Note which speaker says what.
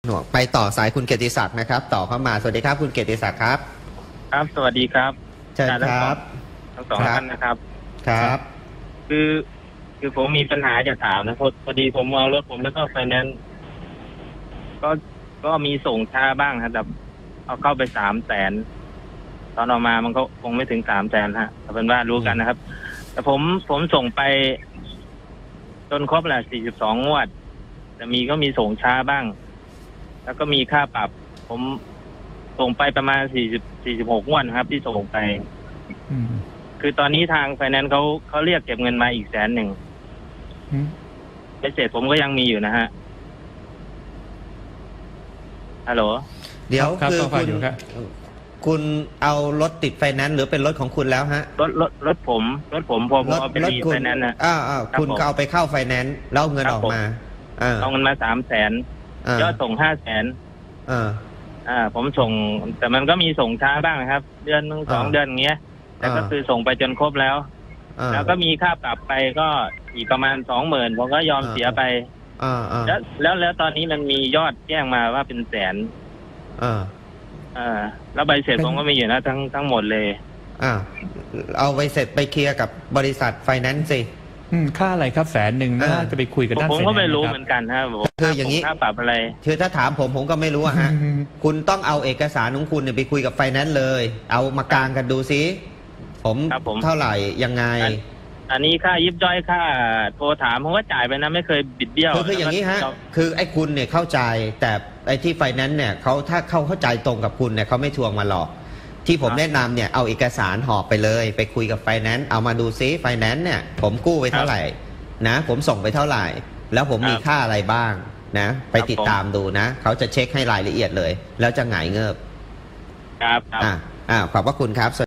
Speaker 1: หน่วงไปต่อสายคุณเกียรติศักดิ์นะครับต่อเข้ามาสวัสดีครับคุณเกียรติศักดิ์ครับ
Speaker 2: ครับสวัสดีครับ
Speaker 1: เชิญครับ
Speaker 2: ทั้งสองท่านนะครับ
Speaker 1: ครับ
Speaker 2: คือผมมีปัญหาจะถามนะพอดีผมเอารถผมแล้วก็ไฟแนนซ์ก็มีส่งช้าบ้างครับแต่เอาเข้าไป300,000ตอนออกมามันก็คงไม่ถึง300,000ฮะแต่เป็นว่ารู้กันนะครับแต่ผมส่งไปจนครบแหละ42 งวดแต่ก็มีส่งช้าบ้างแล้วก็มีค่าปรับผมส่งไปประมาณ46 งวดครับที่ส่งไปคือตอนนี้ทางไฟแนนซ์เขาเรียกเก็บเงินมาอีก100,000เสร็จผมก็ยังมีอยู่นะฮะฮัลโหล
Speaker 1: เดี๋ยวคือคุณเอารถติดไฟแนนซ์หรือเป็นรถของคุณแล้วฮะ
Speaker 2: รถผมพอเป็นรีไฟแนนซ์นะ
Speaker 1: คุณก็เอาไปเข้าไฟแนนซ์แล้วเงินออกมา
Speaker 2: เอาเงินมา300,000ยอดส่ง500,000ผมส่งแต่มันก็มีส่งช้าบ้างนะครับเดือนนึง2 เดือนอย่างเงี้ยแต่ก็คือส่งไปจนครบแล้วก็มีค่าปรับไปก็อีกประมาณ20,000ผมก็ยอมเสียไปแล้วตอนนี้มันมียอดแจ้งมาว่าเป็น100,000แล้วใบเสร็จผมก็มีอยู่นะทั้งหมดเลย
Speaker 1: เอาใบเสร็จไปเคลียร์กับบริษัทไฟแนนซ์สิ
Speaker 3: ค่าอะไรครับ100,000น่าจะไปคุยกับด้านไฟแนนซ์
Speaker 2: ผมก็ไม่รู้เหมือนกันฮะ
Speaker 1: คืออย่างนี้
Speaker 2: ค่าปรับอะไร
Speaker 1: คือถ้าถามผมก็ไม่รู้ฮะคุณต้องเอาเอกสารของคุณไปคุยกับไฟแนนซ์เลยเอามากางกันดูซิผมเท่าไหร่ยังไง
Speaker 2: อันนี้ค่ายิบย่อยค่าโทรถามผมว่าจ่ายไปนะไม่เคยบิดเบี้ยว
Speaker 1: คืออย่างนี้ฮะคือไอ้คุณเนี่ยเข้าใจแต่ไอ้ที่ไฟแนนซ์เนี่ยถ้าเข้าใจตรงกับคุณเนี่ยเขาไม่ทวงมาหรอกที่ผมแนะนำเนี่ยเอาเอกสารหอบไปเลยไปคุยกับไฟแนนซ์เอามาดูซิไฟแนนซ์เนี่ยผมกู้ไปเท่าไหร่นะผมส่งไปเท่าไหร่แล้วผมมีค่าอะไรบ้างนะไปติดตามดูนะเขาจะเช็คให้รายละเอียดเลยแล้วจะหงายเงิบ
Speaker 2: ครับ
Speaker 1: ขอบพระคุณครับ